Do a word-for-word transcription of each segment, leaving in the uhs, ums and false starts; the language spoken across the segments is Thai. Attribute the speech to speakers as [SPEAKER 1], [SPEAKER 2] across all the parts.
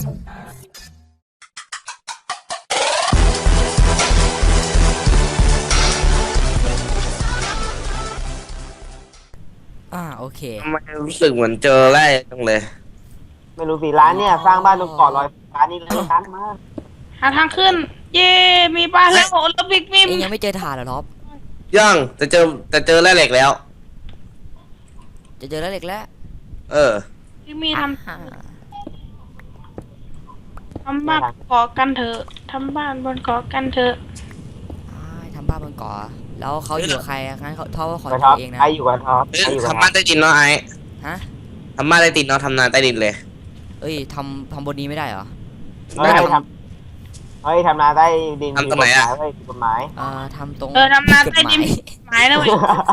[SPEAKER 1] อ่าโอเค
[SPEAKER 2] ทำไมรู้สึกเหมือนเจอแร่จังเลย
[SPEAKER 3] ไม่รู้สิร้านเนี่ยสร้างบ้านบนเกาะลอยฟ้านี่เลยร้านมาก
[SPEAKER 4] หาทางขึ้น เย่มีบ้านแล้วโอ้แล้วบิ๊กมิม
[SPEAKER 1] เองยังไม่เจอถ่านเหรอท็อป
[SPEAKER 2] ยังจะเจอจะเจอแร่เหล็กแล้ว
[SPEAKER 1] จะเจอแล้วเหล็กแล้ว
[SPEAKER 2] เออ
[SPEAKER 4] บิ๊กมีท
[SPEAKER 1] อ่า
[SPEAKER 4] ำทำบ้านเกาะกันเถอะทำบ้านบนเกาะกันเถอะ
[SPEAKER 1] อ่าทำบ้านบนเกาะแล้วเขาอยู่กับใครอะงั้นเขาท็อปขอ
[SPEAKER 3] กับ
[SPEAKER 1] อ
[SPEAKER 3] ท็อยู่ ป
[SPEAKER 1] เองนะ
[SPEAKER 3] ไออยู่กับท็อป
[SPEAKER 2] เอ้ย
[SPEAKER 3] ไออยู่กับ
[SPEAKER 2] ทำ
[SPEAKER 3] ท็
[SPEAKER 2] บ้า
[SPEAKER 3] อน ป
[SPEAKER 2] ใต้ดินเนาะไอ้
[SPEAKER 1] ฮะ
[SPEAKER 2] ทำบ้านใต้ดินเนาะทำนาใต้ดินเลย
[SPEAKER 1] เอ้ยทำทำบนนี้ไม่ได้เหรอ
[SPEAKER 3] เฮ้ยทำเฮ้ยทำนาใต้ดินผิดกฎหมายเฮ้ยผิดกฎหมาย
[SPEAKER 1] เอ่อทำตรง
[SPEAKER 4] เออทำนาใต้ดิน
[SPEAKER 1] กฎหมาย
[SPEAKER 4] หมายนะเว้ย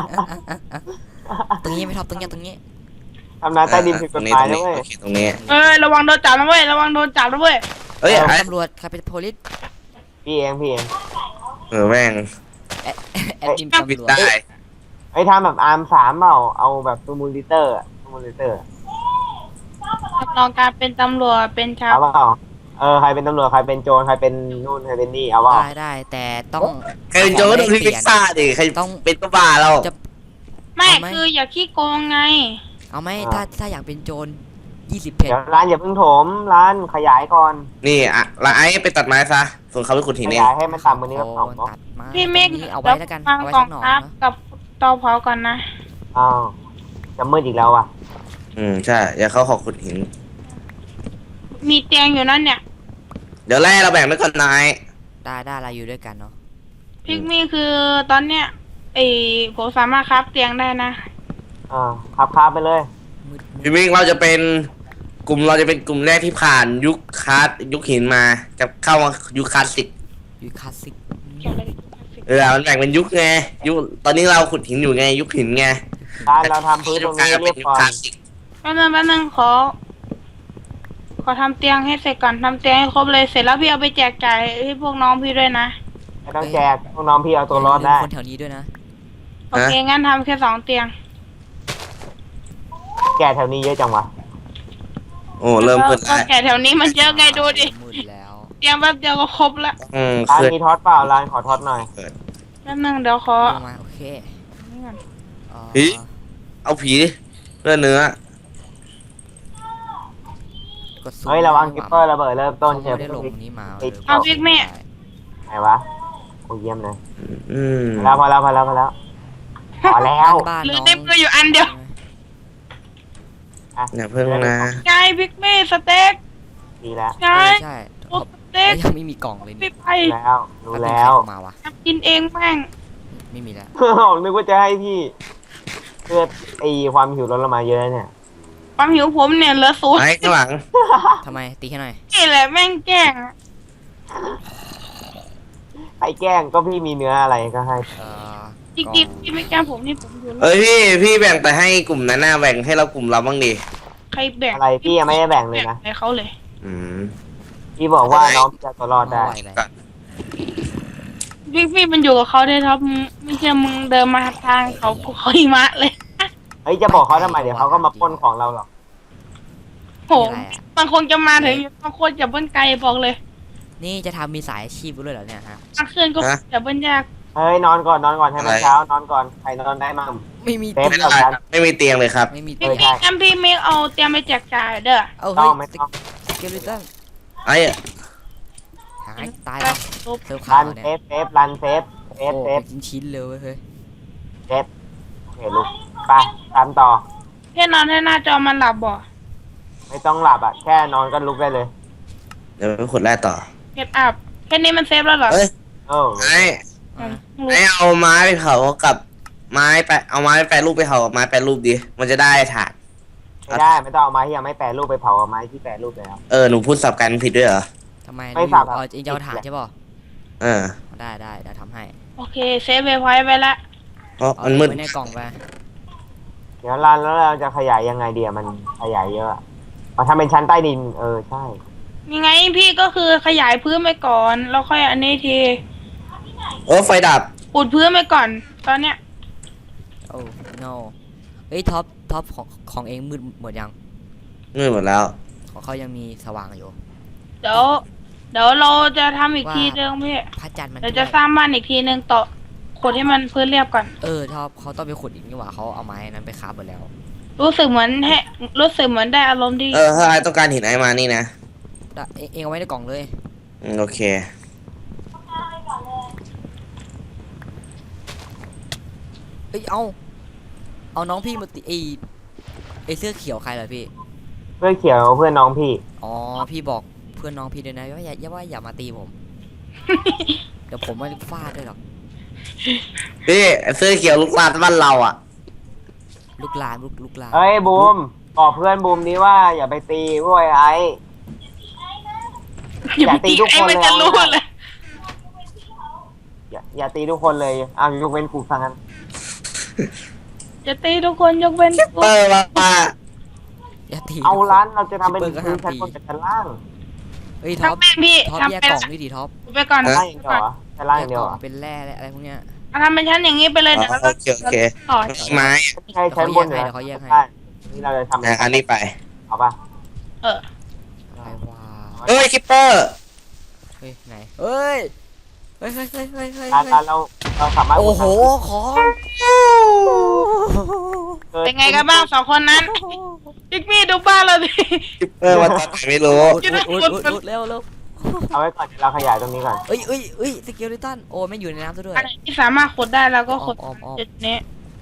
[SPEAKER 1] ตรงนี้ไม่ท็อปตรงนี้ตรงนี้
[SPEAKER 3] ทำนาใต้ดินผิดกฎหมายนะเว้ย
[SPEAKER 2] โอเคตรงนี้
[SPEAKER 4] เออระวังโดนจับนะเว้ยระวังโดนจับนะเว้ย
[SPEAKER 2] เอ้ยไอ้
[SPEAKER 1] ตำรวจใครเป็นโพลิส
[SPEAKER 3] พี่เองพี่เอง
[SPEAKER 2] เออแม่ง
[SPEAKER 1] แอดแอดมิน
[SPEAKER 2] บิด
[SPEAKER 1] ตำรวจ
[SPEAKER 2] ได้
[SPEAKER 3] ไอ้ทำแบบอาร์มสามเปล่าเอาแบบซูมูลิเตอร์ซูมูลิเตอร์
[SPEAKER 4] รับรองการเป็นตำรวจเป็นชาว
[SPEAKER 3] เอาเปล่าเออใครเป็นตำรวจใครเป็นโจรใครเป็นนู่นใครเป็นนี่เอาเปล่า
[SPEAKER 1] ได้ได้แต่ต้อง
[SPEAKER 2] ใครเป็นโจรก็ต้องที่พิซซ่าดิใคร
[SPEAKER 1] ต้อง
[SPEAKER 2] เป็นก็บ้าเรา
[SPEAKER 1] จะ
[SPEAKER 4] ไม่
[SPEAKER 1] เอาไหม
[SPEAKER 4] คืออย่าขี้โกงไง
[SPEAKER 1] เอาไหมถ้าถ้าอยากเป็นโจรยี่สิบเพจ
[SPEAKER 3] เดี๋ยวร้านอย่าเพิ่งโถมร้านขยายก่อน
[SPEAKER 2] นี่อ่ะแล้วไอ้ไปตัดไม้ซะส่วนเขาไปขุดหิน
[SPEAKER 3] ข
[SPEAKER 2] เอง
[SPEAKER 3] ยายให้มันต่ำกว่านี้ก็สองเนาะ
[SPEAKER 1] ตัดมา
[SPEAKER 4] พี่เมฆ
[SPEAKER 1] ตรงนี้เอาไว้แล้วกัน
[SPEAKER 4] ฟัง
[SPEAKER 1] เอาไว้
[SPEAKER 4] กล่อ
[SPEAKER 1] สั
[SPEAKER 4] ง
[SPEAKER 1] กหน่อย
[SPEAKER 4] ครับ
[SPEAKER 1] นะ
[SPEAKER 4] กับเตาเผาก่อนนะ
[SPEAKER 3] อ้าวจะมืดอีกแล้วอ่ะ
[SPEAKER 2] อืมใช่อย่าเขาขอขุดหิน
[SPEAKER 4] มีเตียงอยู่นั่นเนี่ย
[SPEAKER 2] เดี๋ยวแร่เราแบ่งไว้ก่อนนาย
[SPEAKER 1] ได้ได้เราอยู่ด้วยกันเนาะ
[SPEAKER 4] พิกมี่คือตอนเนี้ยไอ้ผมสามารถครับเตียงได้นะ
[SPEAKER 3] อ่าขับคาไปเลย
[SPEAKER 1] มืดมืด
[SPEAKER 2] พี่มิงเราจะเป็นกลุ่มเราจะเป็นกลุ่มแรกที่ผ่านยุคคลาสยุคหินมาจะเข้ามายุคคลาสสิก
[SPEAKER 1] อยู่คลาสสิก
[SPEAKER 4] เกี่ยวอะไรกับ
[SPEAKER 2] เออมันแบ่งเป็นยุคไงยุคตอนนี้เราขุดหินอยู่ไงยุคหินไง
[SPEAKER 3] ร้านเราทำพื้นตรงนี้เรียบ
[SPEAKER 2] ยุค
[SPEAKER 3] ก่อ
[SPEAKER 2] คลาน สสิก
[SPEAKER 4] แป๊บนึงแป๊บนึงขอ ขอทำเตียงให้เสร็จก่อนทำเตียงให้ครบเลยเสร็จแล้วพี่เอาไปแจกจ่ายให้พวกน้องพี่ด้วยนะ
[SPEAKER 3] ไม่ต้องแจกน้องๆพี่เอาตัวรอดได้
[SPEAKER 1] คนแถวนี้ด้วยนะ
[SPEAKER 4] โอเคงั้นทำแค่สองเตียง
[SPEAKER 3] แกแถวนี้เยอะจังวะ
[SPEAKER 2] โอ้เริ่มขึ้น
[SPEAKER 4] ก็
[SPEAKER 2] แล้ว
[SPEAKER 4] แก่แถวนี้มันเยอะไงดูดิ
[SPEAKER 1] มืดแล้ว
[SPEAKER 4] เตียงแป๊บเดียวก็ครบละ
[SPEAKER 2] อืม
[SPEAKER 3] ร้าน
[SPEAKER 2] ขึ้น
[SPEAKER 3] มีท็อตเปล่าร้านขอท็อตหน่อย
[SPEAKER 4] แป๊บนึงเดี๋ยวขอ
[SPEAKER 1] ลงมาโอเค
[SPEAKER 4] นี่ก่อน
[SPEAKER 1] เอ่อ
[SPEAKER 2] ผีเอาผีเลือดเนื้อก
[SPEAKER 1] ดซูม
[SPEAKER 3] เฮ้ยระวังกิปเปอร์ระเบิดเริ่มต้น
[SPEAKER 1] เขา
[SPEAKER 3] เชียว
[SPEAKER 1] ไม่ได้ลงนี้มา
[SPEAKER 3] ติด
[SPEAKER 4] เอาพิกมี่
[SPEAKER 3] ไหนวะโอ้เยี่ยมเลย
[SPEAKER 2] อืม
[SPEAKER 3] พอแล้วพอแล้วพอแล้วพอแล้วพอแล้ว
[SPEAKER 1] บ้าน
[SPEAKER 4] เหลือ
[SPEAKER 1] น้อง
[SPEAKER 4] ในมืออยู่อันเดียว
[SPEAKER 3] อ่ะ
[SPEAKER 2] อย่าเพิ่งนะ
[SPEAKER 4] ไงพิกมี่สเต็ก
[SPEAKER 3] ดีแล้ว
[SPEAKER 4] ไง
[SPEAKER 1] เออใช่
[SPEAKER 4] โอ้สเต็
[SPEAKER 1] แล้
[SPEAKER 4] ก
[SPEAKER 1] วยังไม่มีกล่องเลย
[SPEAKER 4] ไม่
[SPEAKER 1] นี่
[SPEAKER 4] ไป
[SPEAKER 3] รู้แล้วรู้แล้ว
[SPEAKER 1] เอามาวะ
[SPEAKER 4] ทำกินเองแม่ง
[SPEAKER 1] ไม่มีแล้ว
[SPEAKER 3] นึกว่าจะให้พี่เพื่อไอความหิวลดลงมาเยอะเนี่ย
[SPEAKER 4] ความหิวผมเนี่ยเหลือศูนย์
[SPEAKER 2] ไอ้ข้างหลัง
[SPEAKER 1] ทำไมตีให้หน่อย
[SPEAKER 4] นี่แหละแม่งแกล้งอะ
[SPEAKER 3] ไอ้แกล้งก็พี่มีเนื้ออะไรก็ให้
[SPEAKER 1] เอ่อ
[SPEAKER 4] จริงๆพี่ไม่แกล้งผมนี่ผมอยู่
[SPEAKER 2] เอ้ยพี่พี่แบ่งไปให้กลุ่มนั้นน่ะแบ่งให้เรากลุ่มเราบ้างดิ
[SPEAKER 4] ใครแบ่ง
[SPEAKER 3] อะไรพี่ยังไม่ได้แบ่งเลยนะ
[SPEAKER 4] ให้เขาเลย
[SPEAKER 2] อืม
[SPEAKER 3] พี่บอกว่าน้องจะตัวรอดได้
[SPEAKER 1] ม่หวเลย
[SPEAKER 2] ก็
[SPEAKER 4] พี่พี่มันอยู่กับเขาได้ครับมึงไม่ใช่มึงเดินมาทางเขาภูเขาหิมะเลย
[SPEAKER 3] เฮ้ยจะบอกเขาทำไมเดี๋ยวเขาก็มาปล้นของเราหรอก
[SPEAKER 4] โหบางคนจะมาถึงบางคนจะเบิ้ลไกลบอกเลย
[SPEAKER 1] นี่จะทำมีสายอาชีพด้วยเหรอเนี่ยฮะ
[SPEAKER 4] บางคืนก็จะเบิ้ลยาก
[SPEAKER 3] เฮ้ยนอนก่อนนอนก่อนให้มันเช้านอนก่อนใครนอนได้มั่ง
[SPEAKER 1] ไม่มี
[SPEAKER 3] เต็
[SPEAKER 1] เตี
[SPEAKER 3] ม
[SPEAKER 1] ยง
[SPEAKER 2] ไม่ได้ครับไม่มีเตียงเลยครับ
[SPEAKER 1] ไม่มี
[SPEAKER 4] พี่
[SPEAKER 1] เตียง
[SPEAKER 3] ใช่
[SPEAKER 4] พี่งั้นพี่เมฆเอาเตรียมไปแจกจ่ายเด้อ
[SPEAKER 1] เอา
[SPEAKER 3] ต้
[SPEAKER 1] เฮ้
[SPEAKER 3] อย งไม่ต้อง
[SPEAKER 1] สเกลิตัน
[SPEAKER 2] ไอ้
[SPEAKER 1] หายตายแล้ว
[SPEAKER 4] ปุ๊บ
[SPEAKER 1] เซิร์ฟข้า
[SPEAKER 3] รั
[SPEAKER 1] วน เนี่ย
[SPEAKER 3] เซฟเซฟรันเซฟเซ
[SPEAKER 1] โอ้
[SPEAKER 3] ฟเซฟ
[SPEAKER 1] เป็นชิ้นๆเลยเว้ยเฮ้ย
[SPEAKER 3] เซฟโอเคลุกไปทำต่อ
[SPEAKER 4] แค่นอนให้หน้าจอมันหลับบ่
[SPEAKER 3] ไม่ต้องหลับอ่ะแค่นอนก็ลุกได้เลย
[SPEAKER 2] เดี๋ยวไปขุดแร่ต่อ
[SPEAKER 4] เก็ตอัพแค่นี้มันเซฟแล้วเหรอ
[SPEAKER 2] เอ้ย
[SPEAKER 3] โอ้
[SPEAKER 2] ไอ้
[SPEAKER 4] อื
[SPEAKER 1] อ่ะ
[SPEAKER 4] ม
[SPEAKER 2] ไอ้เอาไม้ไปเผากับไม้ไปเอาไม้ไปแปรรูปไปเผากับไม้แปรรูปดิมันจะได้ถ่าน
[SPEAKER 3] ไม่ได้ไม่ต้องเอาไม้ที่ยังไม่แปรรูปไปเผาเอาไม้ที่แปรรูปแล้ว
[SPEAKER 2] เออหนูพูดสับกันผิดด้วยเหรอ
[SPEAKER 1] ทำไม
[SPEAKER 3] ไม่
[SPEAKER 1] ดู
[SPEAKER 3] สับครับ
[SPEAKER 1] เอาเองจะเอาถ่านใช่ป่ะ
[SPEAKER 2] เออ
[SPEAKER 1] ได้ได้เดี๋ยวทำให้
[SPEAKER 4] โอเคเซฟเวไว้ไปละ
[SPEAKER 2] เพราะ
[SPEAKER 1] เอา
[SPEAKER 2] มันมืด
[SPEAKER 1] ไว้ในกล่องไป
[SPEAKER 3] เดี๋ยวรันแล้วเราจะขยายยังไงเดียมันขยายเยอะมาทำเป็นชั้นใต้ดินเออใช่
[SPEAKER 4] ยังไงพี่ก็คือขยายพื้นไปก่อนแล้วค่อยอันนี้ที
[SPEAKER 2] โอ้ไฟดับ
[SPEAKER 4] อุดพื้นไปก่อน ตอนเนี้ย
[SPEAKER 1] โอ้ no เฮ้ยท็อปท็อปของของเองมืดหมดยัง
[SPEAKER 2] มืดหมดแล้ว
[SPEAKER 1] ของเขายังมีสว่างอยู่
[SPEAKER 4] เดี๋ยวเดี๋ยวเราจะทำอีกทีนึงพี่
[SPEAKER 1] พระจันทร์มัน
[SPEAKER 4] เดี๋ยวจะสร้างบ้านอีกทีนึงต่อขุดให้มันพื้นเรียบก่อน
[SPEAKER 1] เออท็อปเขาต้องไปขุดอีกนี่หว่าเขาเอาไม้นั้นไปคาบหมดแล้ว
[SPEAKER 4] รู้สึกเหมือนให้รู้สึกเหมือนได้อารมณ์ที่
[SPEAKER 2] เออถ้าไอ้ต้องการหินไอ้มานี่นะ
[SPEAKER 1] ได้เองเองเอาไว้ในกล่องเลย
[SPEAKER 2] อืมโอเค
[SPEAKER 1] เอ้ยเอาเอาน้องพี่มาตีไอไอเสื้อเขียวใครเหรอพี่
[SPEAKER 3] เพื่อนเขียวเพื่อนน้องพี่
[SPEAKER 1] อ๋อพี่บอกเพื่อนน้องพี่ด้วยนะว่าอย่าอย่าว่าอย่ามาตีผม เดี๋ยวผมไม่ฟาดด้วยหรอก
[SPEAKER 2] พี่เสื้อเขียวลูกลานบ้านเราอ่ะ
[SPEAKER 1] ลูกลานลูกลูกลาน
[SPEAKER 3] เอ้ยบูมบอกเพื่อนบูมนี้ว่าอย่าไปตีพวกไอ้ไอ้
[SPEAKER 4] อย่าไปตี
[SPEAKER 3] อย่าตีทุก
[SPEAKER 4] ไอ้
[SPEAKER 3] คน
[SPEAKER 4] มัน
[SPEAKER 3] เลย
[SPEAKER 4] จะรู้
[SPEAKER 3] เอา
[SPEAKER 4] เลย
[SPEAKER 3] อย่าอย่าตีทุกคนเลยอ้าวยกเว้นกูฟังกัน
[SPEAKER 4] จะตีทุกคนยกเว้นกู
[SPEAKER 2] เปิดมามา
[SPEAKER 1] อย่าตี
[SPEAKER 3] เอา
[SPEAKER 1] ทุกคน
[SPEAKER 3] ร้านเราจะทำเป็น
[SPEAKER 1] เปิดก็
[SPEAKER 3] พื้น
[SPEAKER 1] ห้าม
[SPEAKER 3] ชั้น
[SPEAKER 1] ตี
[SPEAKER 3] บนกับชั้นล่าง
[SPEAKER 1] เฮ้ยท็อป
[SPEAKER 4] ทำเป็นพี่
[SPEAKER 1] ท็อป
[SPEAKER 4] ทำ
[SPEAKER 1] แยก
[SPEAKER 4] เป็น
[SPEAKER 1] กล่องด้วยดิท็อป
[SPEAKER 4] ไปก่อน
[SPEAKER 3] ชั้นล่างอย่างเดียวเหรอชั้นล่าง
[SPEAKER 1] แย
[SPEAKER 3] อก ย่างเดี
[SPEAKER 1] ก
[SPEAKER 3] ยว
[SPEAKER 1] ล่
[SPEAKER 3] เหร
[SPEAKER 1] อ
[SPEAKER 3] อง
[SPEAKER 1] เป็นแร่อะไรพวกเนี้ย
[SPEAKER 4] เอาทำเป็นชั้นอย่างนี้ไปเลยเดี๋ยวเรา
[SPEAKER 2] โอเคโอเค
[SPEAKER 4] ต่อ
[SPEAKER 2] ไม้
[SPEAKER 3] ใช่ชั้นบนเหรอ
[SPEAKER 1] เดี๋ยวเขาแยกให้
[SPEAKER 3] ใช่นี่เราจะทำ
[SPEAKER 2] อ่ะอันนี้ไป
[SPEAKER 3] เอาป่ะ
[SPEAKER 4] เออ
[SPEAKER 1] ไปว่า
[SPEAKER 2] เฮ้ยคิปเปอร์
[SPEAKER 1] เฮ้ยไหนเฮ้ยเฮ้ยเฮ้ยเฮ้ยเฮ้ยเฮ้ย
[SPEAKER 3] ร้านร้านเราเราสามารถ
[SPEAKER 1] โอ้โหของ
[SPEAKER 3] เกิด
[SPEAKER 4] เป็นไงกันบ้างสองคนนั้นพิกมี่ดูบ้านเราดิ
[SPEAKER 2] คิปเปอร์มาตอนไหนไม่รู้
[SPEAKER 1] อุดอุดอุดอุดเร็วเร็ว
[SPEAKER 3] เอาไว้ก่อนเดี๋ยวเราขยายตรงนี้ก่อน
[SPEAKER 1] เอ้ยเอ้ยเอ้ยสเกลลิตันโอ้ไม่อยู่ในน้ำซะด้วย
[SPEAKER 4] อันไหนที่สามารถขุดได้เราก็ขุด
[SPEAKER 1] อ้อมอ้อมอ้อม
[SPEAKER 4] จุดนี้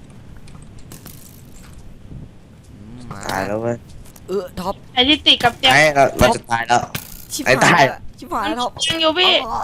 [SPEAKER 1] อืมมา
[SPEAKER 2] ตายแล้วเว้ย
[SPEAKER 1] เออท็อป
[SPEAKER 4] ไอ้ที่ติดกับเตียง
[SPEAKER 2] ไอ้เราเราจะตายแล้ว
[SPEAKER 1] ชิบ
[SPEAKER 2] ไอ้
[SPEAKER 1] หาย
[SPEAKER 2] ตาย
[SPEAKER 1] ละชิบหายแล้วท็อป
[SPEAKER 4] ยังอยู่พี่
[SPEAKER 1] อ๋อ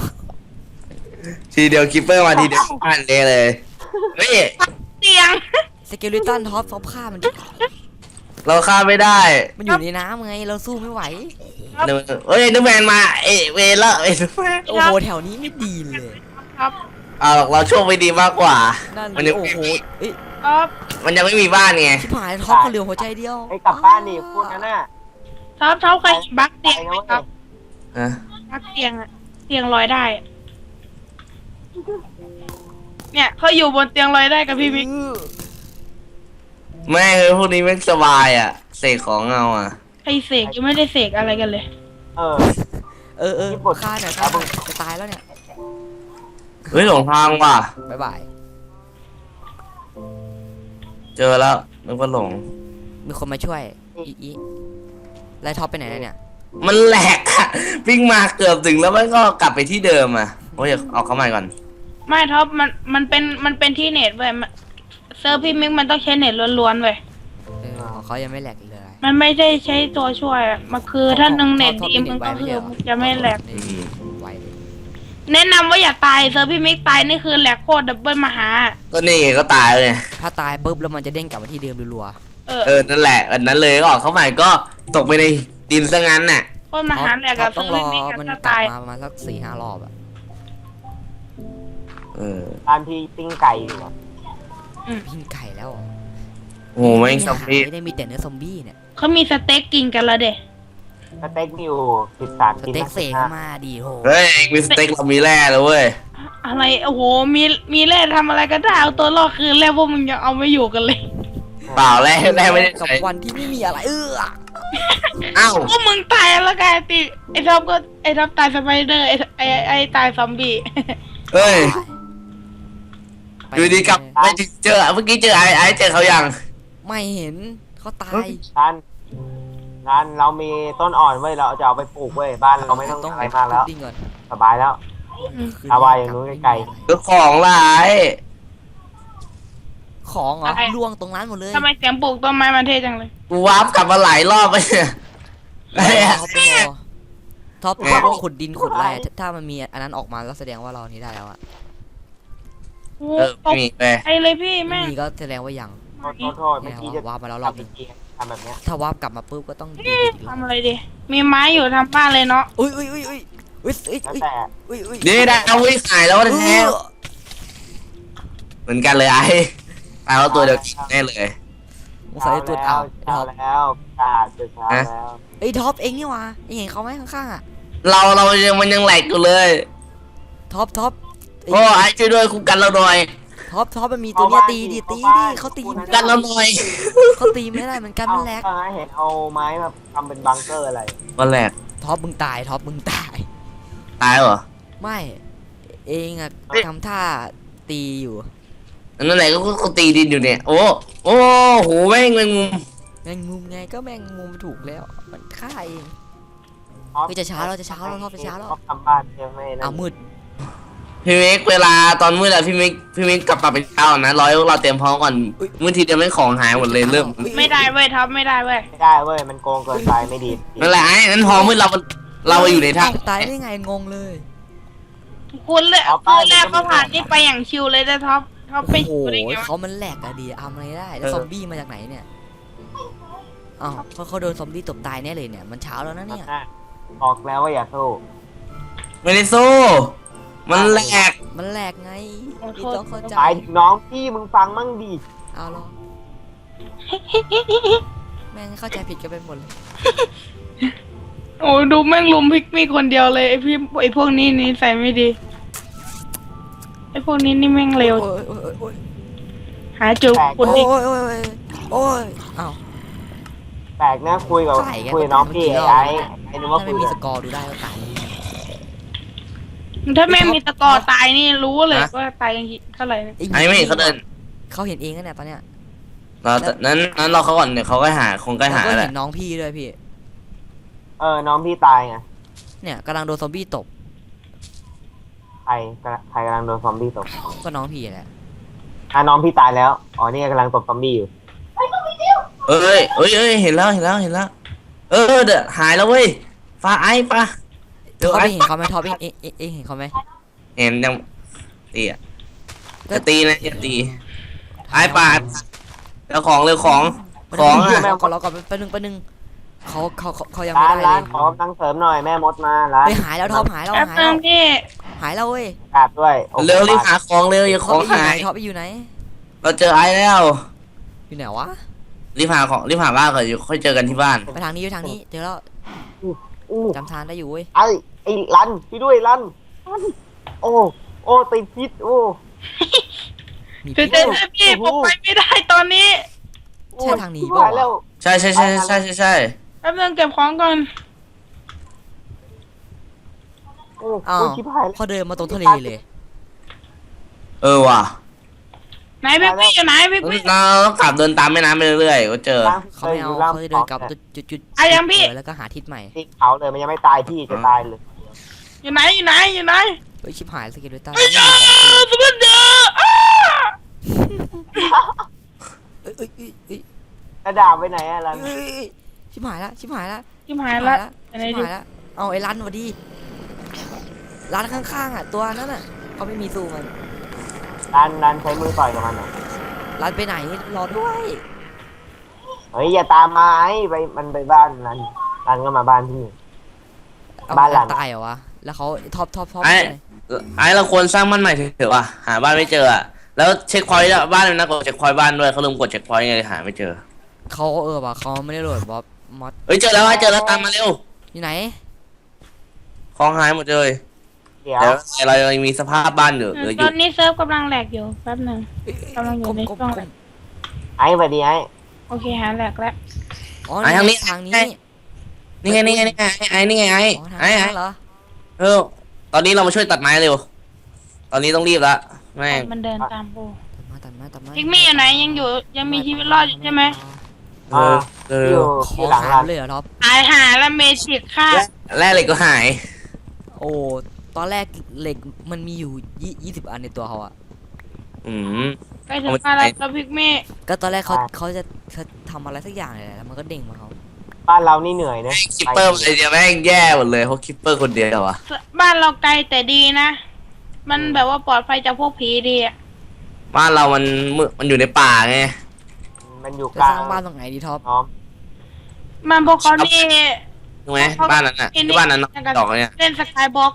[SPEAKER 2] ทีเดียวคิปเปอร์มาทีเดียวอ่านเลยเลยเฮ้ย
[SPEAKER 4] เตียง
[SPEAKER 1] สเกลลิตันท็อปท็อปฆ่ามันดิ
[SPEAKER 2] เราฆ่าไม่ได้
[SPEAKER 1] มันอยู่ในน้ำไงเราสู้ไม่ไหว
[SPEAKER 2] เดี๋ยวเฮ้ยนึกแมนมาเอยเวรละเอ้ยนึกแมน
[SPEAKER 1] โอ้โหแถวนี้ไม่ดีเลย
[SPEAKER 4] ครับ
[SPEAKER 2] เอาหรอกเราโชคไม่ดีมากกว่า
[SPEAKER 1] นั่น
[SPEAKER 2] มันยัง
[SPEAKER 1] โอ้โหเอ้ย
[SPEAKER 4] ครับ
[SPEAKER 2] มันยังไม่มีบ้านไง
[SPEAKER 1] ชิบหายท็อปเขาเหลือหัวใจเดียว
[SPEAKER 3] ไอ้ยกลับบ้านนี่พูดนั่นน่ะ
[SPEAKER 4] ชอบชอบเคยบักเตียงไหมครับ
[SPEAKER 2] ฮะ
[SPEAKER 4] บักเตียงอะเตียงลอยได้อะเนี่ยเขาอยู่บนเตียงลอยได้กับพี่มิก
[SPEAKER 2] แม่งเลยพวกนี้ไม่งสบายอ่ะเสกของเอาอ่ะ
[SPEAKER 4] ไอเสกยังไม่ได้เสกอะไรกันเลย
[SPEAKER 3] เออ
[SPEAKER 1] เออเออ
[SPEAKER 3] ญี่ปุ่น
[SPEAKER 1] ฆ่าหน่อยฆ่าหน่อยจะตายแล้วเนี่ย
[SPEAKER 2] เฮ้ยหลงทางว่ะ
[SPEAKER 1] บ๊ายบาย
[SPEAKER 2] เจอแล้วนึกว่าหลง
[SPEAKER 1] มีคนมาช่วยอีอีแล้วท็อปไปไหนแล้วเนี่ย
[SPEAKER 2] มันแหลกอะวิ่งมาเกือบถึงแล้วมันก็กลับไปที่เดิมอ่ะโอ้ยเอาเข้ามาก่อน
[SPEAKER 4] ไม่ท็อปมันมันเป็นมันเป็นที่เน็ตเว้ยมันเซิร์ฟพี่มิกมันต้องใช้เน็ตล้วนๆเว้ย
[SPEAKER 1] เออของเขายังไม่แหลกเลย
[SPEAKER 4] มันไม่ได้ใช้ตัวช่วยอะมันคือถ้าหนึ่งเน็ต
[SPEAKER 1] ท็อป
[SPEAKER 4] ดี
[SPEAKER 1] ท็อป
[SPEAKER 4] มันก็
[SPEAKER 1] เน็ตไวไม่
[SPEAKER 4] คื
[SPEAKER 1] ใช่
[SPEAKER 4] อ
[SPEAKER 1] เหรอ
[SPEAKER 4] มันจะไม่แหลก
[SPEAKER 1] นี่ไวเลย
[SPEAKER 4] แนะนำว่าอย่าตายเซิร์ฟพี่มิกตายนี่คือแหลกโคตรดับเบิลมหา
[SPEAKER 2] ก็นี่ไงก็ตายเลย
[SPEAKER 1] ถ้าตายปุ๊บแล้วมันจะเด้งกลับมาที่เดิมรัว
[SPEAKER 4] เออ
[SPEAKER 2] เออนั่นแหละอันนั้นเลยก็ออกเข้ามาก็ตกไปในดินซะงั้นน่ะ
[SPEAKER 4] โคตรม
[SPEAKER 1] ๆ
[SPEAKER 4] หาแหลก
[SPEAKER 1] ท็อ
[SPEAKER 4] อะ
[SPEAKER 1] ปต้อง
[SPEAKER 4] เซิร์ฟ
[SPEAKER 1] รอ
[SPEAKER 4] พี่มิก
[SPEAKER 1] มัน
[SPEAKER 4] จะ
[SPEAKER 1] กลับ
[SPEAKER 4] ตาย
[SPEAKER 1] มาประมาณสักสี่ห้ารอบอะ
[SPEAKER 2] เออ
[SPEAKER 3] บ้านพี่ปิ้งไก่อยู่อะ
[SPEAKER 1] พิงไก่แล้วเหรอ
[SPEAKER 2] โอ้โหแม่งซอมบี้
[SPEAKER 1] ไม่ได้มีแต่เนื้อซอมบี้เนี่ย
[SPEAKER 4] เขามีสเต็กกินกันแล้วเด็
[SPEAKER 3] สเต็กมีอยู่สิบสาม
[SPEAKER 1] ส
[SPEAKER 3] ชิ้น
[SPEAKER 1] เต็ก
[SPEAKER 3] นะ
[SPEAKER 1] เสกเข้ามาดีโห
[SPEAKER 2] เฮ้ยมีสเต็กเรามีแร่แล้วเว้ย
[SPEAKER 4] อะไรโอ้โหมีมีแร่ทำอะไรก็ได้เอาตัวรอดคือแร่พวกมึงยังเอาไม่อยู่กันเลย
[SPEAKER 2] เปล่าแร่แร่ไม่ได้
[SPEAKER 1] กับ
[SPEAKER 2] ใช้
[SPEAKER 1] วันที่ไม่มีอะไรเออ
[SPEAKER 2] อ้าว
[SPEAKER 4] พวกมึงตายแล้วกันติไอ้ท็อปก็ไอ้ท็อปตายสไปเดอร์ไอ้ไอ้ไอ้ตายซอมบี้
[SPEAKER 2] เฮ้ย
[SPEAKER 1] ไป
[SPEAKER 2] อยู่ดีกลับไปเจอเมื่อกี้เจอไอ้ไอ้เจอเขายัง
[SPEAKER 1] ไม่เห็นเขาตาย
[SPEAKER 3] ร้านร้านเรามีต้นอ่อนเว้ยเราจะเอาไปปลูกเว้ยบ้านเราไม่ต้องอะไรมากแล้ว
[SPEAKER 1] ดิ้งก่อน
[SPEAKER 3] สบายแล้ว
[SPEAKER 1] คืน
[SPEAKER 3] เอาไว้อย่างนู้นไกล
[SPEAKER 2] คือของหลาย
[SPEAKER 1] ของเหรอล่วงตรงนั้นหมดเลย
[SPEAKER 4] ทำไมเสียงปลูกต้นไม้มันเท่จังเลย
[SPEAKER 2] กูวาร์ปกลับมาหลายรอบไปเนี่ยไอ้
[SPEAKER 1] ท็อปต้องรอท็อปท็อปต้องขุดดินขุดอะไรถ้าถ้ามันมีอันนั้นออกมาแล้วแสดงว่าเรานี้ได้แล้วอะ
[SPEAKER 4] โอ้
[SPEAKER 2] เออ
[SPEAKER 4] ต
[SPEAKER 2] ไม่
[SPEAKER 4] ก
[SPEAKER 2] มีไป
[SPEAKER 4] ใจเลยพี่
[SPEAKER 1] ไม่
[SPEAKER 4] แม่ง
[SPEAKER 1] มีก็แสดงว่ายัง
[SPEAKER 3] โทษโทษโทษเมื่อกี้จะ
[SPEAKER 1] วาร์ปมาแล้วร
[SPEAKER 3] กลั
[SPEAKER 1] อ
[SPEAKER 3] บบ ไป
[SPEAKER 1] นึง
[SPEAKER 3] ทีทำแบบเนี้ย
[SPEAKER 1] ถ้าวาร์ปกลับมาปุ๊บก็ต้องดีอีกรอบ
[SPEAKER 4] ทำอะไรดีมีไม้อยู่ทำบ้านเลยเนาะ
[SPEAKER 1] อุ้ยอุ้ยอุ้ยอุ้ยอุ้ยอุ้ย
[SPEAKER 3] แล้ว
[SPEAKER 1] อุ้ย
[SPEAKER 3] แต่
[SPEAKER 1] อุ้ยอุ้ย
[SPEAKER 2] นี่ได้เอาไว้ขายแล้ว
[SPEAKER 1] เอ
[SPEAKER 2] แท้
[SPEAKER 1] อ
[SPEAKER 2] เหมือนกันเลยไอ้ไอ้เราตัวเดียวกันแน่เลย
[SPEAKER 1] สงสัยตัวเอา
[SPEAKER 3] เช้า
[SPEAKER 1] ท็อป
[SPEAKER 3] แล้วกาดจะเช้าแล้ว
[SPEAKER 1] ไอ้ยท็อปเองนี่หว่าเองเห็นเขาไหมข้างๆอะ
[SPEAKER 2] เราเรายังมันยังแหลกอยู่เลย
[SPEAKER 1] ท็อปท็อปไอ้
[SPEAKER 2] โอ้ไอ้ช่วยด้วยคุมกันเราหน่อย
[SPEAKER 1] ท็อปท็อปมันมีตัวเนี้ยตีดิตีดิเขาตีไม่
[SPEAKER 2] กั
[SPEAKER 1] ได้
[SPEAKER 2] นเราหน่อย
[SPEAKER 1] เขาตีไม่ได้เหมือนกันมันแหลก
[SPEAKER 3] เอาเห็นเอาไม้มาทำเป็นบังเกอร์อะไร
[SPEAKER 2] มันแหลก
[SPEAKER 1] ท็อปมึงตายท็อปมึงตาย
[SPEAKER 2] ตายเหรอ
[SPEAKER 1] ไม่เองอะทำท่าตีอยู่
[SPEAKER 2] นั่นแหละก็ก็ตีดินอยู่เนี่ยโอ้โอ้โหแม่งแมงมุม
[SPEAKER 1] แมงมุมไงก็แมงมุมถูกแล้วมันฆ่าเอง
[SPEAKER 3] ท็อป
[SPEAKER 1] เฮ้ยจะเช้าแล้วจะเช้าแล้วท็อปจะเช้าแล้ว
[SPEAKER 3] ท็อปทำบ้านยังไม่นั่
[SPEAKER 1] อ้าวน มืด
[SPEAKER 2] พี่เมกเวลาตอนมืดอะพี่เมกพี่เมกกลับมาเป็นเช้านะร้อยเราเตรียมพร้อมก่อนมืดทีเดียวไม่ของหายหมดเลยเริ่ม
[SPEAKER 4] ไม่ได้เว้ยท็อปไม่ได้เว้ย
[SPEAKER 3] ไม่ได้เว้ยมันโกงเกินไปไม่ดี
[SPEAKER 2] นั่นแหละไอ้นั้นพอมืดเราเราอยู่ในถ้
[SPEAKER 1] ตายได้ไงงงเลย
[SPEAKER 4] คุณเลยคุณแรกก็ผ่านนี่ไปอย่างชิวเลยนะท็อปท็อปไป
[SPEAKER 1] โอ้โห
[SPEAKER 4] ชิวได้ไงวะ
[SPEAKER 1] เขามันแหลกอะดีทำอะไรได้แล้วซอมบี้มาจากไหนเนี่ยอ้าวเขาเขาโดนซอมบี้ตบตายแน่เลยเนี่ยมันเช้าแล้วนะเนี่ย
[SPEAKER 3] บอกแล้วว่าอย่าสู้
[SPEAKER 2] ำไม่ได้สู้มันแหลก
[SPEAKER 1] มันแหลกไงพี่ต้องเข้าใจ
[SPEAKER 3] หมายถึงน้องพี่มึงฟังมั่งดี
[SPEAKER 1] เอาหรอแม่งเข้าใจผิดกันไปหมดเลย
[SPEAKER 4] โอ้ดูแม่งลุมพิกมี่คนเดียวเลยไอพี่ไอพวกนี้นี่ใส่ไม่ดีไอพวกนี้นี่แม่งเร็ว
[SPEAKER 1] โอ้ยโอ้ยโอ้ย
[SPEAKER 4] หาจุด
[SPEAKER 1] โอ้
[SPEAKER 4] คุณ
[SPEAKER 1] ย
[SPEAKER 4] ดิ
[SPEAKER 1] โอ้ยโอ้ยโอ้ยอ้าว
[SPEAKER 3] แปลกนะคุยกับ
[SPEAKER 1] ใช่ไง
[SPEAKER 3] คุยกับน้องพี่
[SPEAKER 1] มัน
[SPEAKER 3] ไอ้
[SPEAKER 1] กี่รอบ
[SPEAKER 3] ไอ้ไอ้นึกว่า
[SPEAKER 1] ถ้า
[SPEAKER 3] คุ
[SPEAKER 1] ไม่
[SPEAKER 3] ย
[SPEAKER 1] มี
[SPEAKER 3] กับ
[SPEAKER 1] สกอร์ดูได้ก็ตาย
[SPEAKER 4] ถ้าแม่งมีตะกอตายนี่รู้เลยว่าตายกันกี่เท่าไหร่
[SPEAKER 2] ไอ้ไม่เห็นเขาเดิน
[SPEAKER 1] เขาเห็นเองนะเนี่ยตอนเนี้ย
[SPEAKER 2] เรานั้นนั้นเราเขาก่อนเดี๋ยวเขาก็หาคงก็
[SPEAKER 1] แล้ว
[SPEAKER 2] หา
[SPEAKER 1] ก็
[SPEAKER 2] แห
[SPEAKER 1] เห็
[SPEAKER 2] ละ
[SPEAKER 1] นน้องพี่ด้วยพี่
[SPEAKER 3] เออน้องพี่ตายไง
[SPEAKER 1] เนี่ยกำลังโดนซอมบี้ตบ
[SPEAKER 3] ใครใครกำลังโดนซอมบี้ตบ
[SPEAKER 1] ก็น้องพี่แหละ
[SPEAKER 3] อ่ะน้องพี่ตายแล้วอ๋อนี่กำลังตบซอมบี้อยู่
[SPEAKER 2] เอ้ยเอ้ยเอ้ยเห็นแล้วเห็นแล้วเห็นแล้วเออเดี๋ยวหายแล้วเว้ยฟ้าไอ้ปะ
[SPEAKER 1] ท็อปเองเห็นเขาไหมท็อปเองเองเองเองเห็นเขาไหม
[SPEAKER 2] เห็นยังตีอ่ะจะตีนะอย่าตีไอ้ปาดแล้วของเร็วของของ
[SPEAKER 1] อ่ะ
[SPEAKER 2] อ่ะ
[SPEAKER 1] ก่อนเราก่อนไปหนึ่งไปหนึ่งเขาเขาเขาเขายัง
[SPEAKER 3] ร้า
[SPEAKER 1] ไม่
[SPEAKER 3] น
[SPEAKER 1] ได้
[SPEAKER 3] ร้า
[SPEAKER 1] เล
[SPEAKER 3] น
[SPEAKER 1] ย
[SPEAKER 3] ขอกำลังเสริมหน่อยแม่มดมาร้าน
[SPEAKER 1] ไปหายแล้วท็อปหายแล้ว
[SPEAKER 4] แป๊บ
[SPEAKER 1] หาย
[SPEAKER 4] นึ
[SPEAKER 1] แล้ว
[SPEAKER 4] งพี่
[SPEAKER 1] หายแล้วเว้ย
[SPEAKER 3] กราบด้วยโอ้โห
[SPEAKER 2] เร็วรีบหาของเร็วอย่าข
[SPEAKER 1] ท็อ
[SPEAKER 2] อ
[SPEAKER 1] ป
[SPEAKER 2] ง
[SPEAKER 1] อยู่
[SPEAKER 2] หา
[SPEAKER 1] ไหน
[SPEAKER 2] ย
[SPEAKER 1] ท็อปอยู่ไหน
[SPEAKER 2] เราเจอไอ้แล้ว
[SPEAKER 1] อยู่ไหนวะ
[SPEAKER 2] รีบหาของรีบหาบ้านก่อนอยู่ค่อยเจอกันที่บ้าน
[SPEAKER 1] ไปทางนี้ไปทางนี้เจอแล้ว
[SPEAKER 3] อู้
[SPEAKER 1] จำทางได้อยู่เว้ย
[SPEAKER 3] ไอ้ไอ้รันพี่ด้วยรันรันโอ้โอ้ติดพิษโอ้
[SPEAKER 1] มี
[SPEAKER 4] คือ
[SPEAKER 1] พิษ
[SPEAKER 4] เจอพี่ผมไปไม่ได้ตอนนี้
[SPEAKER 1] ใช่ทางนี้
[SPEAKER 3] ชิบ
[SPEAKER 1] ป่ะ
[SPEAKER 3] หายแล้ว
[SPEAKER 2] ใช่ใช่ใช่ใช่ใช่ใช่
[SPEAKER 4] แป๊บนึงเก็บของก่อน
[SPEAKER 3] โอ้
[SPEAKER 1] อ้าว
[SPEAKER 3] โอ้ชิบหายแล้ว
[SPEAKER 1] พอเดินมาตรงทะเลเลย
[SPEAKER 2] เออว่ะ
[SPEAKER 4] ไหนพี่พี่อยู่ไหนพี่พี่
[SPEAKER 2] เราต้องกลับเดินตามแม่น้ำไปเรื่อยๆก็เจอ
[SPEAKER 1] เขาไม่เอาเขาจะเดินกลับจุดจุดจุด
[SPEAKER 4] อ่ะยังพี่
[SPEAKER 1] แล้วก็หาทิศใหม่
[SPEAKER 3] ตีเขาเลยมันยังไม่ตายพี่จะตายเลย
[SPEAKER 4] อยู่ไหนอยู่ไหนอยู่ไหน
[SPEAKER 1] เฮ้ยชิบหายสกิลด้วยตา
[SPEAKER 4] ไอ้
[SPEAKER 1] ไม่
[SPEAKER 4] เจ้า
[SPEAKER 1] มีของ
[SPEAKER 4] สมันเดอร์อ้า
[SPEAKER 1] เอ้ยเอ้ยเอ้ยเอ้ย
[SPEAKER 3] กระดาษไปไหนอะรัน
[SPEAKER 1] เอ้ยชิบหายละชิบหายละ
[SPEAKER 4] ชิบหายละไหน
[SPEAKER 1] ชิบ
[SPEAKER 4] ดิ
[SPEAKER 1] หายละเอาไอ้ร้านมาดีร้านข้างๆอ่ะตัวนั้นอ่ะเขาไม่มีสู้มัน
[SPEAKER 3] รันรันใช้มือต่อยกับมันหน่อย
[SPEAKER 1] ร้านไปไหนรอด้วย
[SPEAKER 3] เฮ้ยอย่าตามมาไอ้ไปมันไปบ้านรันรันก็มาบ้านพี่
[SPEAKER 1] เอา
[SPEAKER 3] บ้านหลัง
[SPEAKER 1] ตายเหรอวะแล้วเขาท็อปท็อปท็อป
[SPEAKER 2] ไอ้ไอ้เราควรสร้างบ้านใหม่เถอะว่ะหาบ้านไม่เจออ่ะแล้วเช็คพอยต์บ้านเลยนะกดเช็คพอยต์บ้านด้วยเขาลืมกดเช็คพอยต์ไงหาไม่เจอ
[SPEAKER 1] เขาเออว่ะเขาไม่ได้โหลดบ๊อบมอด
[SPEAKER 2] เฮ้ยเจอแล้วไอ้เจอแล้วตามมาเร็ว
[SPEAKER 1] อยู่ไหน
[SPEAKER 2] ของหายหมดเลย
[SPEAKER 3] เดี๋ยว
[SPEAKER 2] เดี๋ยวเรายังมีสภาพบ้านอยู่เหลืออ
[SPEAKER 4] ต
[SPEAKER 2] ยู่
[SPEAKER 4] อนนี้เซิร์ฟกำลังแหลกอยู่แป๊บนึง กำลังอยู่ใน
[SPEAKER 1] ก้ม
[SPEAKER 4] ช่วง
[SPEAKER 1] ก้ม
[SPEAKER 3] ไอ้สวัสดีไอ้
[SPEAKER 4] โอเคหาแหลกแล้ว
[SPEAKER 1] อ๋อนี่ไงทางนี้
[SPEAKER 2] นี่ไงนี่ไงนี่ไงไอ้นี่ไงไอ้
[SPEAKER 1] อ๋อทาง
[SPEAKER 2] ไอ้ไอ้
[SPEAKER 1] นั้นเหรอ
[SPEAKER 2] เออตอนนี้เรามาช่วยตัดไม้เร็วตอนนี้ต้องรีบละแม่ง
[SPEAKER 4] มันเดินตามปู
[SPEAKER 1] มาตัดมาตัดมา
[SPEAKER 4] พิกมี่อยู่ไหนยังอยู่ยังมีชีวิตรอดอยู่ใช่ไหม
[SPEAKER 2] เออเอ
[SPEAKER 3] อ
[SPEAKER 2] อยู่
[SPEAKER 1] ข
[SPEAKER 3] ที่
[SPEAKER 1] อ
[SPEAKER 3] หลัง
[SPEAKER 1] หา
[SPEAKER 3] รัน
[SPEAKER 1] เลยเหรอท็อป
[SPEAKER 4] ตายหาแล้วเมจิกฆ่า
[SPEAKER 2] แร่เหล็กก็หาย
[SPEAKER 1] โอ้ตอนแรกเหล็กมันมีอยู่ยี่ยี่สิบอันในตัวเขาอะ
[SPEAKER 2] อืม
[SPEAKER 4] ใกล้ถึงฆ่าแล้วแล้วพิกมี่
[SPEAKER 1] ก็ตอนแรกเขาเขาจะเขาทำอะไรสักอย่างเลยแหละแล้วมันก็เด้งมาเขา
[SPEAKER 3] บ้านเรานี่เหนื่อยนะ
[SPEAKER 2] คิปเปอร์ไอเดียแม่งแย่หมดเลยเพราะคิปเปอร์คนเดียวอะ
[SPEAKER 4] บ้านเราไกลแต่ดีนะ มันแบบว่าปลอดภัยจากพวกผีดีอะ
[SPEAKER 2] บ้านเรามันมืมันอยู่ในป่าไง
[SPEAKER 3] มันอยู่
[SPEAKER 1] จะ
[SPEAKER 3] กลา
[SPEAKER 1] สร้าง งบ้านตรงไหนดีท็อป
[SPEAKER 3] น้อม
[SPEAKER 4] มันพวกเขานี่
[SPEAKER 2] ถูกไหมบ้านนั้นน่ะที่บ้านนั้นดอกเนี่ย
[SPEAKER 4] เล่นสกายบ็อก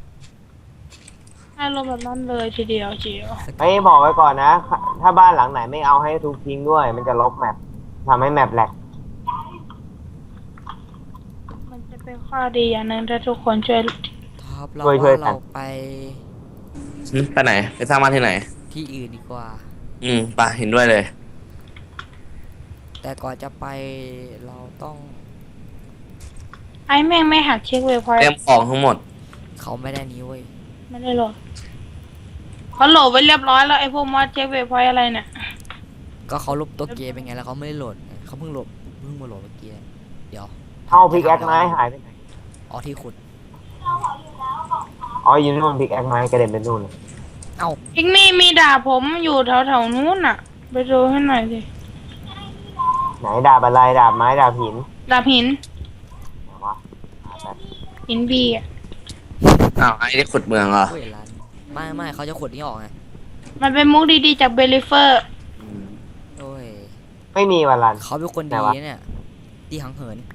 [SPEAKER 4] อารมณ์แบบนั้นเลยทีเดียวเชียว
[SPEAKER 3] เฮ้ยบอกไว้ก่อนนะ ถ้าบ้านหลังไหนไม่เอาให้ทุกทิ้งด้วย มันจะลบแมปทำให้แมปแหลก
[SPEAKER 4] มันจะเป็นข้อดีอย่างหนึ่งถ้าทุกคนช่วย
[SPEAKER 1] ท็อปเราว่าเราไป
[SPEAKER 2] อืมไปไหนไปสร้างบ้านที่ไหน
[SPEAKER 1] ที่อื่นดีกว่า
[SPEAKER 2] อืมป่ะเห็นด้วยเลย
[SPEAKER 1] แต่ก่อนจะไปเราต้อง
[SPEAKER 4] ไอ้แม่งไม่หักเช็คเวพอย
[SPEAKER 2] เตรียมของทั้งหมด
[SPEAKER 1] เขาไม่ได้นี้เว้ย
[SPEAKER 4] ไม่ได้โหลดเขาโหลดไว้เรียบร้อยแล้วไอ้พวกมอดเช็คเวพอยอะไรเนี่ย
[SPEAKER 1] ก็เขาลบตัวเกมเป็นไงแล้วเขาไม่ได้โหลดไงเขาเพิ่งโหลดเพิ่งมาโหลดเมื่อกี้เดี๋ยว
[SPEAKER 3] เอาพิกแอคไม้หายไปไหน
[SPEAKER 1] อ๋อที่ขุด
[SPEAKER 3] อ๋ออยู่นู่นพิกแอคไม้กระเด็นไปนู่นเลย
[SPEAKER 1] เอ้า
[SPEAKER 4] พิกมี่มีดาบผมอยู่แถวแถวๆนู้นน่ะ ไปดูให้หน่อยสิ
[SPEAKER 3] ไหนดาบอะไรดาบไม้ดาบหิน
[SPEAKER 4] ดาบหิน
[SPEAKER 3] ไหนวะหาแบบ
[SPEAKER 4] หินบีอ่ะ
[SPEAKER 2] อ้าวไอ้ได้ขุดเมืองเหรอ
[SPEAKER 1] เว้ยร้านไม่ไม่เขาจะขุดนี่ออกไง
[SPEAKER 4] มันเป็นมุกดีๆจากเบลิเฟอร์
[SPEAKER 2] อืม
[SPEAKER 1] โอ้ย
[SPEAKER 3] ไม่มีวันลัน
[SPEAKER 1] เขาเป็นคน
[SPEAKER 3] ไหน
[SPEAKER 1] ดี
[SPEAKER 3] วะ
[SPEAKER 1] เนี่ยดีหังเหิน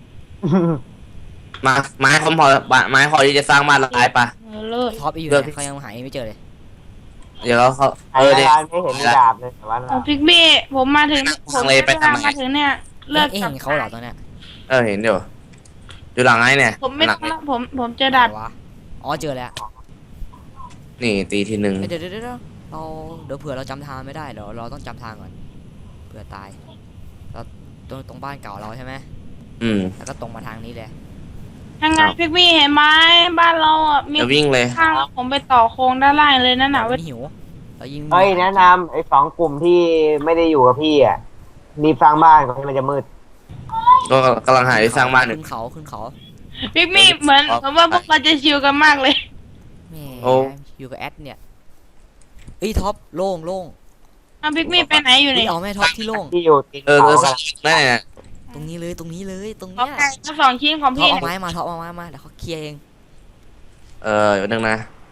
[SPEAKER 2] มาไม้พอพอไม้พอที่จะสร้างบ้านละลายปะ
[SPEAKER 4] เออเลย
[SPEAKER 1] ท็อปอยู่
[SPEAKER 2] เลื
[SPEAKER 1] ไห
[SPEAKER 2] อก
[SPEAKER 1] นเขายังหาไม่เจอเลย
[SPEAKER 2] เดี๋ยวเขา
[SPEAKER 3] ไอ้
[SPEAKER 2] เออเด็ก
[SPEAKER 3] ร้านไม่เห็นมีดาบเลยแต่ว่า
[SPEAKER 4] เอาพิกมี่ผมมาถึงผม
[SPEAKER 2] ทางเลยไปทางไหน
[SPEAKER 4] มาถึงเนี่ยเลิก
[SPEAKER 1] เอ๊ะ
[SPEAKER 4] กับ
[SPEAKER 1] เห็นเขาเหรอตอนเนี้ย
[SPEAKER 2] เออเห็นเดี๋ยวอยู่หลังไอ้เนี่ย
[SPEAKER 4] ผมไม่
[SPEAKER 2] หลั
[SPEAKER 4] ต้อง งแล้วผมผมเจอดาบ
[SPEAKER 1] ไหนวะอ๋อเจอแล้ว
[SPEAKER 2] นี่ตีทีหนึ่ง
[SPEAKER 1] เอ้ยเดี๋ยวเดี๋ยวเดี๋ยวเราเดี๋ยวเผื่อเราจำทางไม่ได้เดี๋ยวเราต้องจำทางก่อนเผื่อตายเราตรงตรงบ้านเก่าเราใช่ไหม
[SPEAKER 2] อืม
[SPEAKER 1] แล้วก็ตรงมาทางนี้เลย
[SPEAKER 4] ยังไง
[SPEAKER 2] อ้าว
[SPEAKER 4] พิกมี่เห็นไหมบ้านเราอ่ะมี
[SPEAKER 2] เดี๋ยววิ่งเลย
[SPEAKER 4] ข้างแล้วผมไปต่อโครงด้านล่างเลยนั่นน่ะ
[SPEAKER 1] เรา
[SPEAKER 4] เว้ย
[SPEAKER 1] ไม่หิวเรายิง
[SPEAKER 3] เฮ้ยแนะนำไอ้สองกลุ่มที่ไม่ได้อยู่กับพี่อ่ะรีบสร้างบ้านก่อนที่มันจะมืด
[SPEAKER 2] ก็กำลังหาที่สร้างบ้านอยู่
[SPEAKER 1] ขึ้นเขาขึ้นเขา
[SPEAKER 4] พิกมี่เหมือนเหมือนว่าพวกเราจะชิลกันมากเลย
[SPEAKER 1] แหม
[SPEAKER 2] โอ้
[SPEAKER 1] อยู่กับแอดเนี่ยเอ้ยท็อปโล่งโล่ง
[SPEAKER 4] เอาพิกมี่ไปไหนอยู่
[SPEAKER 1] เฮ้
[SPEAKER 4] เนี่ย ย
[SPEAKER 1] เอาแม่ท็อปที่โล่ง
[SPEAKER 3] ที่อยู่ติด
[SPEAKER 2] เออเอ
[SPEAKER 3] เขา
[SPEAKER 2] อ
[SPEAKER 3] กัน
[SPEAKER 2] นั่นแหละ
[SPEAKER 1] ตรงนี้เลยตรงนี้เลยตรง
[SPEAKER 4] เอา
[SPEAKER 1] เนี้ย
[SPEAKER 4] ไก่มาสองชิ้นของ
[SPEAKER 1] ท็อป
[SPEAKER 4] พี่
[SPEAKER 1] เอา
[SPEAKER 4] เนี่ย
[SPEAKER 1] ไม้มาท็อปเอาไม้มาเดี๋ยวเขาเคลียร์เอง
[SPEAKER 2] เอออยู่นึงนะ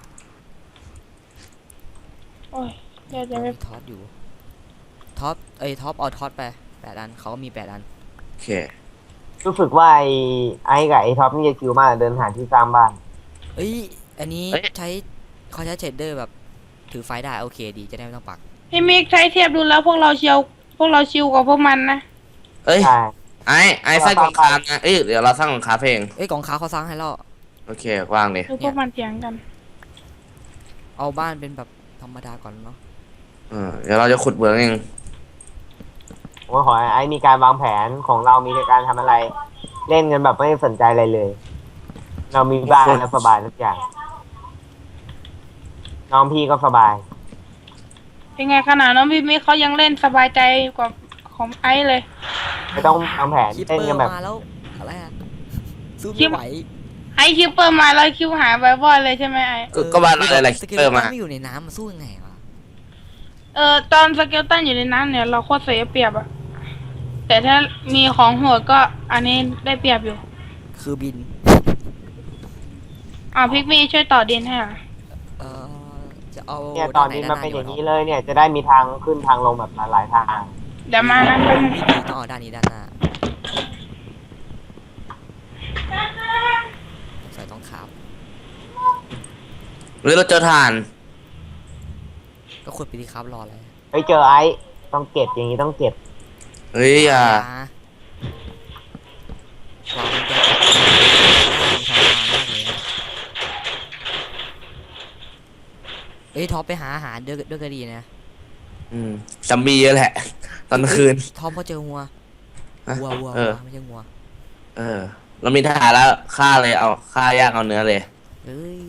[SPEAKER 4] โอ้ยเดี๋ยวจะไป
[SPEAKER 1] มีท็อปอยู่ท็อปเอ้ยท็อปเอาท็อปไปแปดอันเขาก็มีแปดอัน
[SPEAKER 2] โอเค
[SPEAKER 3] รู้สึกว่าไอ้ไอ้กับไอ้ท็อปนี่จะคิวมากเดินหาที่สร้างบ้าน
[SPEAKER 1] เอ้ยอันนี้ใช้เขาใช้เชดเดอร์แบบถือไฟได้โอเคดีจะได้ไม่ต้องปัก
[SPEAKER 4] พี่มิกใช้เทียบดูแล้วพวกเราเชียวพวกเราชิลกว่าพวกมันนะ
[SPEAKER 2] เอ้ย
[SPEAKER 3] ใช่
[SPEAKER 2] ไอ้ไอ้สร้างกองคานะเอ้ยเดี๋ยวเราสร้างกองคาเพลง
[SPEAKER 1] เอ้ยกองค้าเขาสร้างให้เรา
[SPEAKER 2] โอเควางเลย
[SPEAKER 4] ดูพวกมันเถียงกัน
[SPEAKER 1] เอาบ้านเป็นแบบธรรมดาก่อนเนาะ
[SPEAKER 2] เออเดี๋ยวเราจะขุดเมืองเอง
[SPEAKER 3] ผมว่าขอให้ไอ้มีการวางแผนของเรามีในการทำอะไร เล่นกันแบบไม่สนใจอะไรเลย เรามีบ้านแล้วสบายทุกอย่างน้องพี่ก็สบาย
[SPEAKER 4] เป็นไงขนาดน้องพี่มิกเขายังเล่นสบายใจกว่าของไอซ์เลย
[SPEAKER 3] ไม่ต้องวางแผน
[SPEAKER 1] คิป
[SPEAKER 3] เล่น
[SPEAKER 1] เปอ
[SPEAKER 3] กัน
[SPEAKER 1] ร์
[SPEAKER 3] แบบ
[SPEAKER 1] มาแล้วอะไรอะสู้
[SPEAKER 4] คิ
[SPEAKER 1] ไม่
[SPEAKER 4] ป
[SPEAKER 1] ไหว
[SPEAKER 4] ไอซ์คิวเปอร์มาแล้วคิวหายบ่อยๆเลยใช่ไหมไอซ์
[SPEAKER 2] ก็ก็บ้านอะไรอะไร
[SPEAKER 1] ส
[SPEAKER 2] คิป
[SPEAKER 1] เกล
[SPEAKER 2] เปอร์มา
[SPEAKER 1] ไม่อยู่ในน้ำมาสู้ยังไงวะ
[SPEAKER 4] เออตอนสเกลตันอยู่ในน้ำเนี่ยเราโคตรเสียเปรียบอะแต่ถ้ามีของโหดก็อันนี้ได้เปรียบอยู่
[SPEAKER 1] คือบิน
[SPEAKER 4] อ่าพิกมี่ช่วยต่อดินให้อ่ะ
[SPEAKER 1] เออจะเอา
[SPEAKER 3] เนี่ยตอนนี้มันเป็นอย่างนี้เลยเนี่ยจะได้มีทางขึ้นทางลงแบบหลายๆทาง
[SPEAKER 4] เดี๋ยวมานะแป๊บนึง
[SPEAKER 1] ดีๆต้องเอาด้านนี้ด้านหน้าใส่ต้องขาว
[SPEAKER 2] หรือเราเจอถ่าน
[SPEAKER 1] ก็ขุดไปดีครับรออะไร
[SPEAKER 3] ไปเจอไอ้ต้องเก็บอย่างนี้ต้องเก็บ
[SPEAKER 2] เฮ้ยอย่า
[SPEAKER 1] เรามันจะทรมานมากเลยอะเอ้ยท็อปไปหาอาหารด้วยด้วยก็ดีนะ
[SPEAKER 2] อืมซัมบี้เยอะแหละ ตอนกลางคืน
[SPEAKER 1] ท็อปเขาเจองัว
[SPEAKER 2] ฮะ
[SPEAKER 1] วัววัว
[SPEAKER 2] เออ
[SPEAKER 1] วัวไม่ใช่งัว
[SPEAKER 2] เออ เรามีทหารแล้วฆ่าเลยเอาฆ่าย่างเอาเนื้อเลย
[SPEAKER 1] เอ้ย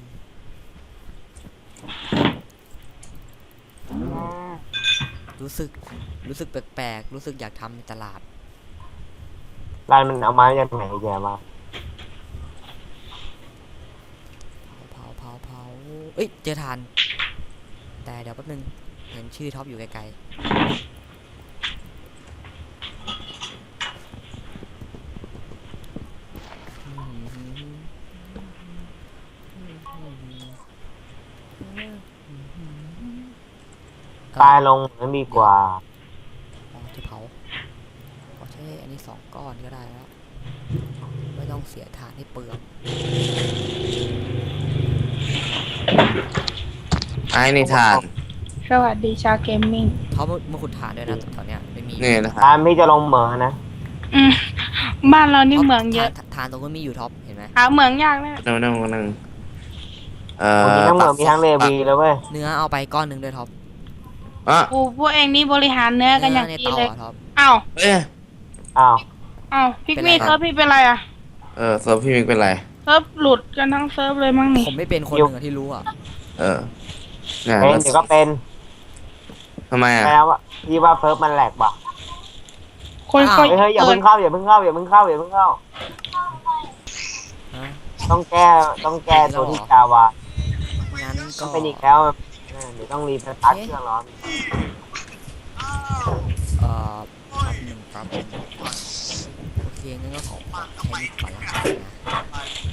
[SPEAKER 1] รู้สึกรู้สึกแปลกๆรู้สึกอยากทำในตลาด
[SPEAKER 3] ร้านมันเอาไม้จากไหนแกมา
[SPEAKER 1] เผาเผาเผาเอ้ยเจอทาน แต่เดี๋ยวแป๊บนึงเห็นชื่อท็อปอยู่ไกลๆ
[SPEAKER 3] ตายลงนั้นดีกว่า
[SPEAKER 1] อ๋อที่เผาขอใช้อันนี้สองก้อนก็ได้แล้ว ไม่ต้องเสียถ่านให้เปลือง
[SPEAKER 2] ไอ้นี่ถ่าน
[SPEAKER 4] สวัสดีชาวเกมมิ่ง
[SPEAKER 1] เขามามาขุดถ่านด้วยนะแถวเนี้ยไม่มี
[SPEAKER 2] นี่นะค
[SPEAKER 3] ตา
[SPEAKER 2] รับ
[SPEAKER 3] มพี่จะลงเหมืองนะ
[SPEAKER 4] อืมบ้านเรานี่เหมืองเยอะ
[SPEAKER 1] ถ่านถ่านตรงนู้นมีอยู่ท็อปเห็นไหม
[SPEAKER 4] หาเหมืองยากนะ
[SPEAKER 2] นั่งนั่งนั่งเอ่
[SPEAKER 3] มี
[SPEAKER 2] อ
[SPEAKER 3] ทั้งเหมืองมีทั้งเลวีแล้วเว้ย
[SPEAKER 1] เนื้อเอาไปก้อนหนึ่งด้วยท็อป
[SPEAKER 2] อ่ะ
[SPEAKER 4] โอ้พวกเองนี่บริหารเนื้อกันอย่าง
[SPEAKER 1] ใน
[SPEAKER 4] ดี
[SPEAKER 1] เตา
[SPEAKER 4] เลย
[SPEAKER 1] อะท็อป
[SPEAKER 4] อ้าว
[SPEAKER 2] เอ้ย
[SPEAKER 3] อ้าว
[SPEAKER 4] อ้าวพิกมี่
[SPEAKER 1] เป็นไร
[SPEAKER 4] เธอพี่เป็นไรอ่ะ
[SPEAKER 2] เเออเซิร์ฟพี่มิกเป็นไร
[SPEAKER 4] เซิร์ฟหลุดกันทั้งเซิร์ฟเลยมั้งนี่
[SPEAKER 1] ผมไม่เป็นคนหนึ่งอะที่รู้อ่ะ
[SPEAKER 2] เออเนี่ย
[SPEAKER 3] เป็น
[SPEAKER 2] แล้ว
[SPEAKER 3] เดี๋ยวก็เป็น
[SPEAKER 2] ทำไมอ่ะ
[SPEAKER 3] แปลว่าพี่ว่าเฟิร์สมันแหลกป่ะ
[SPEAKER 4] คนค่อย
[SPEAKER 3] เฮ้ยเฮ้ยอย่า
[SPEAKER 4] เปิ
[SPEAKER 3] เพิ่
[SPEAKER 4] ด
[SPEAKER 3] งเข้าอย่าเพิ่งเข้าอย่าเพิ่งเข้าอย่าเพิ่งเข้า
[SPEAKER 1] ฮะ
[SPEAKER 3] ต้องแก้ต้องแก้ตัวที่จาวา
[SPEAKER 1] งั้น
[SPEAKER 3] ต้
[SPEAKER 1] ก็
[SPEAKER 3] องเป็นอีกแล้วเออเดี๋ยวต้องรีสตาร์ทเครื่องร้อน
[SPEAKER 1] เอ่อแป๊บหนึ่งแป๊บหนึ่งโอเคงั้นก็ขอแค่นี้ก่อนละกันนะ